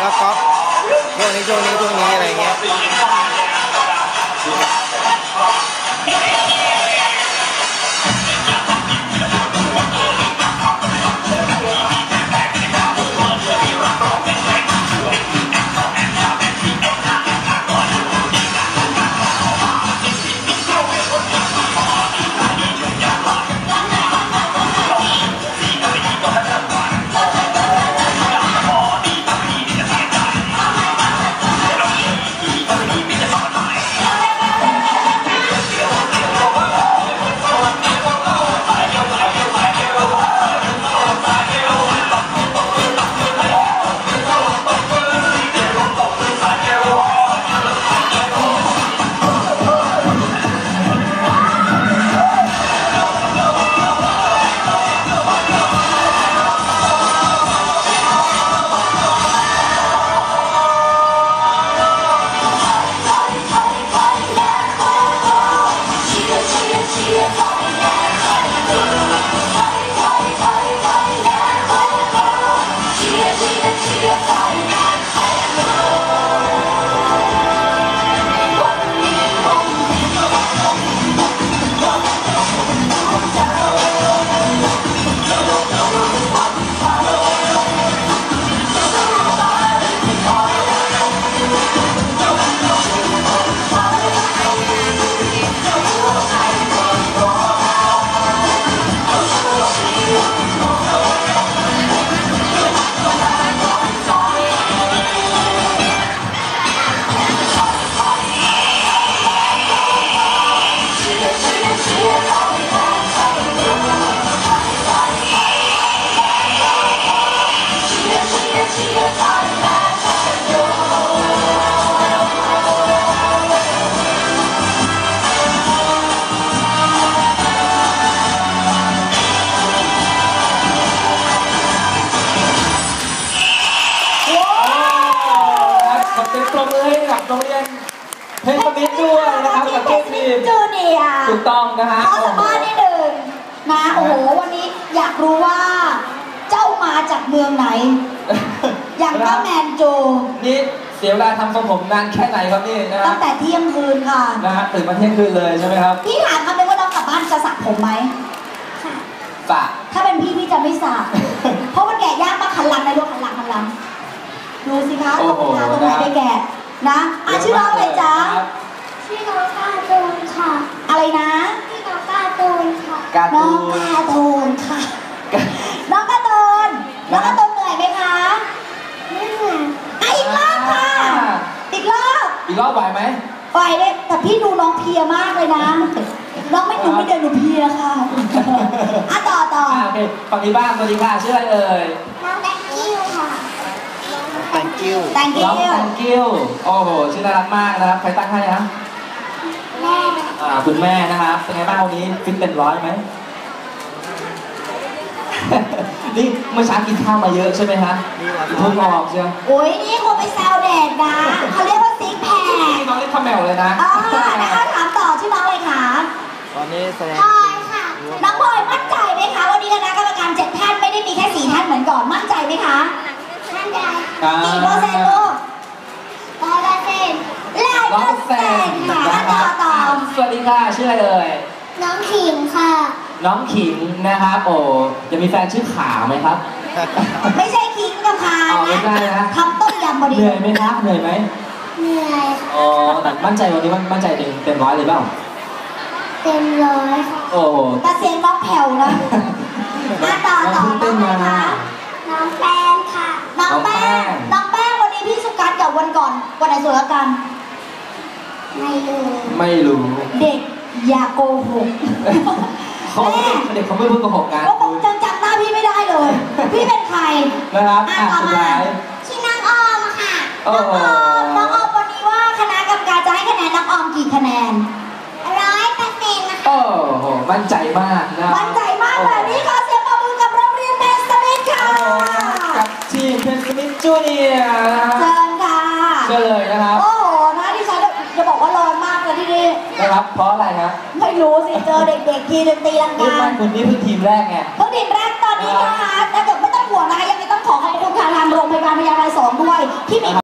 ก๊อฟช่วงนี้อะไรเงี้ยโรงเรียนเพชรมิตรด้วยนะครับกับเกมทีมจูเนียร์ถูกต้องนะฮะขอสัมภาษณ์นิดหนึ่งนะโอ้โหวันนี้อยากรู้ว่าเจ้ามาจากเมืองไหนอย่างก็แมนโจนี่เสียเวลาทำทรงผมนานแค่ไหนครับนี่นะตั้งแต่เที่ยงคืนค่ะนะฮะตื่นมาเที่ยงคืนเลยใช่ไหมครับพี่ถามคำนึงว่าน้องกลับบ้านจะสระผมไหมสระถ้าเป็นพี่จะไม่สระเพราะมันแกะยากมากขันหลังในรถขันหลังดูสิคะตรงไหนได้แกะนะชื่อน้องอะไรจ๊ะชื่อน้องการ์ตูนค่ะอะไรนะชื่อน้องการ์ตูนค่ะน้องการ์ตูนค่ะน้องการ์ตูนเหนื่อยไหมคะไม่เหนื่อยอีกรอบค่ะอีกรอบไหวไหมไหวเลยแต่พี่ดูน้องเพียมากเลยนะน้องไม่เดินหนูเพียค่ะต่อโอเคฝั่งนี้บ้างสวัสดีค่ะชื่ออะไรเอ่ยน้องแตงกิ้วค่ะ Thank you น้อง Thank you โอ้โหชื่อน่ารักมากนะครับใครตั้งให้นะแม่คุณแม่นะครับเป็นไงบ้างวันนี้ฟิตเต็มร้อยไหมนี่เมื่อเช้ากินข้าวมาเยอะใช่ไหมฮะเพิ่งออกใช่ไหมโอ้ยนี่คงไปแซวแดดนะเขาเรียกว่าซิกแพคน้องเล่นคาแมวเลยนะนะคะถามต่อชื่อน้องอะไรคะตอนนี้แสดงพลอยค่ะน้องพลอยมั่นใจไหมคะวันนี้คณะกรรมการ7ท่านไม่ได้มีแค่4ท่านเหมือนก่อนมั่นใจไหมคะมั่นใจกี่เปอร์เซ็นต์ลูก 100% ค่ะต่อสวัสดีค่ะชื่ออะไรเอ่ยน้องขิงค่ะน้องขิงนะครับโอ้จะมีแฟนชื่อขาวไหมครับไม่ใช่ขิงกับพานะทำต้มยำพอดีเหนื่อยไหมครับเหนื่อยไหมเหนื่อยอ๋อแต่มั่นใจวันนี้มั่นใจเต็มร้อยเลยเปล่าเต็มร้อยค่ะโอ้แต่เสียงน้องแผ่วนะต่อน้องนะคะน้องแป้งค่ะน้องแป้งวันนี้พี่สุกัสกับวันก่อนวันไหนสวยกว่ากันไม่รู้เด็กอย่าโกหกเด็กเขาไม่พูดโกหกกันก็บอกจำหน้าพี่ไม่ได้เลยพี่เป็นใครนะครับสุดท้ายชื่อน้องออมค่ะน้องออมวันนี้ว่าคณะกรรมการจะให้คะแนนน้องออมกี่คะแนน 100%นะคะโอ้โหมั่นใจมากนะมั่นใจมากแบบนี้ขอเสียงปรบมือกับโรงเรียนเพชรมิตรค่ะกับทีมเพชรมิตรจูเนียร์เชิญค่ะเชิญเลยนะครับโอ้โหนะดิฉันจะบอกว่าร้อนมากเลยที่นี่นะครับเพราะอะไรครับไม่รู้สิเจอเด็กๆทีดนตรีลังกาคุณนี่เพิ่งทีมแรกไงเพิ่งทีมแรกตอนนี้นะคะแต่เดี๋ยวไม่ต้องห่วงนะคะยังไม่ต้องขอขอบคุณค่ะทางโรงพยาบาลพญาไท2ด้วยที่มี